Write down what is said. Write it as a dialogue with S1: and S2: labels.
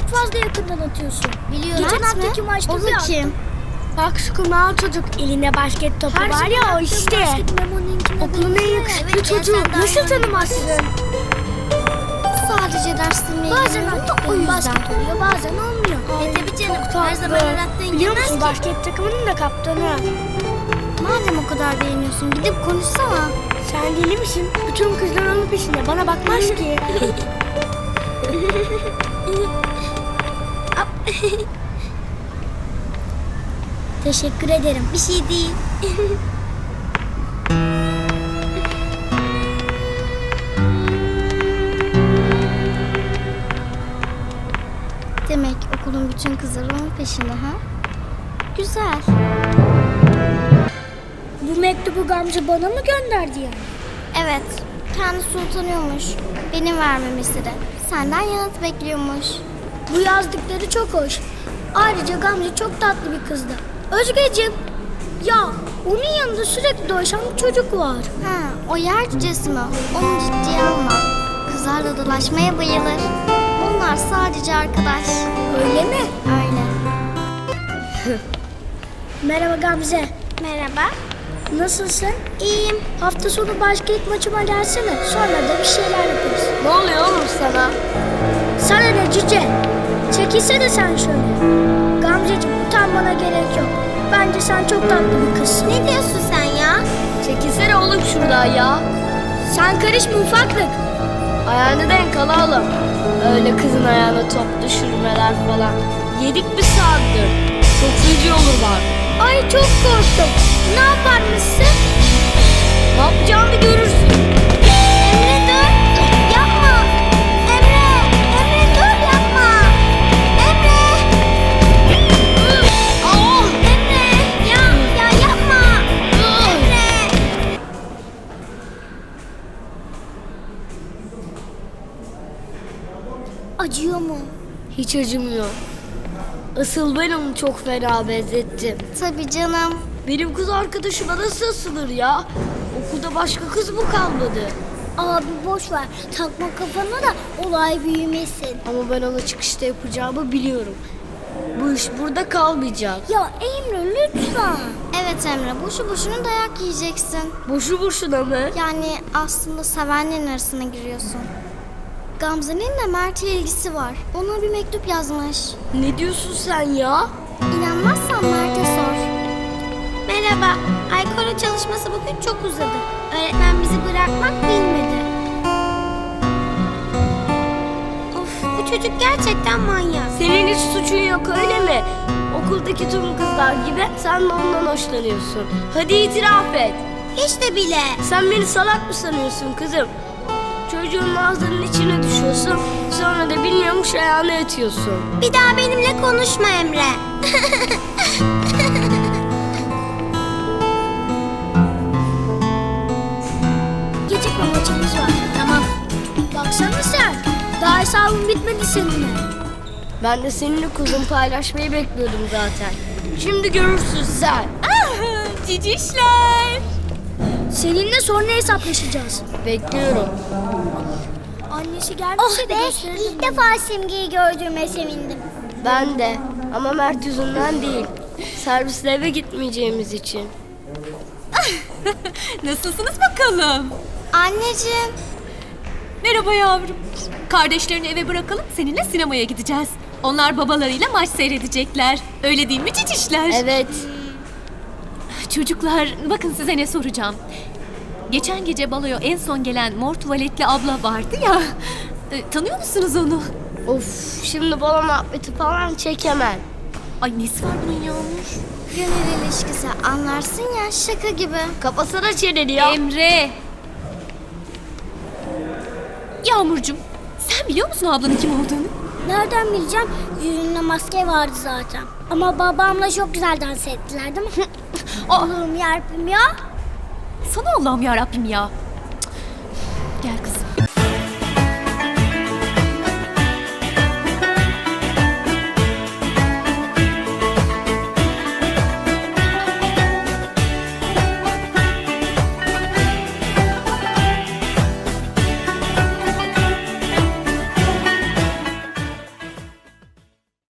S1: çok fazla yakından atıyorsun.
S2: Biliyorum.
S1: Geçen haftaki maçta
S2: O
S1: bir
S2: da
S1: attın.
S2: kim?
S3: Bak şu kumal çocuk elinde basket topu
S1: Her
S3: var
S1: zaman
S3: ya o
S1: attığın
S3: işte.
S1: basket Memo'nunkine
S3: Okulun en
S1: benziyor.
S3: yakışıklı
S2: Evet,
S3: çocuğu
S2: sen daha
S3: nasıl
S2: iyi
S3: tanımazsın?
S2: Sadece derslerine
S1: Bazen
S2: ilgileniyorum da o
S1: attığın
S2: yüzden.
S1: basket oluyor, bazen olmuyor.
S2: Tabii canım.
S3: Çok
S2: Her zaman
S3: tatlı.
S2: arattığın
S3: Biliyor
S2: gelmez
S3: musun
S2: ki.
S3: basket takımının da kaptanı.
S2: Madem o kadar beğeniyorsun gidip konuşsana.
S3: Sen deli misin? Bütün kızlar onun peşinde. Bana bakmaz ki.
S1: Teşekkür ederim.
S2: Bir şey değil. Demek okulun bütün kızları onun peşinde ha? Güzel.
S1: Bu mektubu Gamze bana mı gönderdi yani?
S2: Evet. Kendisi utanıyormuş. Benim vermemi istedi. Senden yanıt bekliyormuş.
S1: Bu yazdıkları çok hoş. Ayrıca Gamze çok tatlı bir kızdı. Özgeciğim, ya onun yanında sürekli dolaşan bir çocuk var.
S2: Ha, o yer cücesi mi? Onu ciddiye alma. Kızlarla dolaşmaya bayılır. Onlar sadece arkadaş.
S1: Öyle mi?
S2: Öyle.
S1: Merhaba Gamze.
S2: Merhaba.
S1: Nasılsın?
S2: İyiyim.
S1: Hafta sonu basket maçıma gelsene. Sonra da bir şeyler yaparız.
S3: Ne oluyor oğlum sana?
S1: Sana ne cüce? Çekilsene sen şöyle. Gamzeciğim utanmana gerek yok. Bence sen çok tatlı bir kızsın.
S2: Ne diyorsun sen ya?
S3: Çekilsene oğlum şuradan ya.
S1: Sen karışma ufaklık.
S3: Ayağını denk al oğlum. Öyle kızın ayağına top düşürmeler falan. Yedik bir saattir. Çok feci olur bak.
S1: Ay çok korktum. Ne yaparmışsın?
S3: Ne yapacağını görürsün.
S2: Emre dur. Yapma. Emre. Emre dur yapma. Emre. Emre. Ya yapma. Emre.
S1: Acıyor mu?
S3: Hiç acımıyor. Asıl ben onu çok fena benzettim.
S2: Tabii canım.
S3: Benim kız arkadaşıma nasıl asılır ya? Okulda başka kız mı kalmadı?
S1: Abi boş ver. Takma kafana da olay büyümesin.
S3: Ama ben ona çıkışta yapacağımı biliyorum. Bu iş burada kalmayacak.
S1: Ya Emre lütfen.
S2: Evet Emre. Boşu boşuna dayak yiyeceksin.
S3: Boşu boşuna mı?
S2: Yani aslında sevenlerin arasına giriyorsun. Gamze'nin de Mert'e ilgisi var. Ona bir mektup yazmış.
S3: Ne diyorsun sen ya?
S2: İnanmazsan Mert'e sor. Merhaba. Aykora çalışması bugün çok uzadı. Öğretmen bizi bırakmak bilmedi. Of, bu çocuk gerçekten manyak.
S3: Senin hiç suçun yok öyle mi? Okuldaki tüm kızlar gibi sen de ondan hoşlanıyorsun. Hadi itiraf et.
S2: Hiç de bile.
S3: Sen beni salak mı sanıyorsun kızım? Çocuğun ağzının içine düşüyorsun. Sonra da bilmiyormuş ayağına yatıyorsun.
S2: Bir daha benimle konuşma Emre.
S1: Gecikme maçımız var. Tamam. Baksana sen. Daha hesabın bitmedi seninle.
S3: Ben de seninle kuzum paylaşmayı bekliyordum zaten. Şimdi görürsün sen.
S1: Cicişler. Seninle sonra hesaplaşacağız.
S3: Bekliyorum.
S1: Annesi gelmişse de gösterelim.
S2: İlk defa Simge'yi gördüğüme sevindim.
S3: Ben de. Ama Mert yüzünden değil. Servisle eve gitmeyeceğimiz için.
S4: Nasılsınız bakalım?
S2: Anneciğim.
S4: Merhaba yavrum. Kardeşlerini eve bırakalım, seninle sinemaya gideceğiz. Onlar babalarıyla maç seyredecekler. Öyle değil mi cicişler?
S3: Evet.
S4: Çocuklar, bakın size ne soracağım. Geçen gece baloya en son gelen mor tuvaletli abla vardı ya. Tanıyor musunuz onu?
S3: Of, şimdi bana muhabbeti falan çekemem.
S4: Ay nesi var bunun Yağmur?
S2: Gönül ilişkisi anlarsın ya, şaka gibi.
S3: Kapasana çeneni ya.
S4: Emre! Yağmurcuğum, sen biliyor musun ablanın kim olduğunu?
S1: Nereden bileceğim? Yüzünde maske vardı zaten. Ama babamla çok güzel dans ettiler değil mi? Allah'ım yarabbim ya.
S4: Sana Allah'ım yarabbim ya.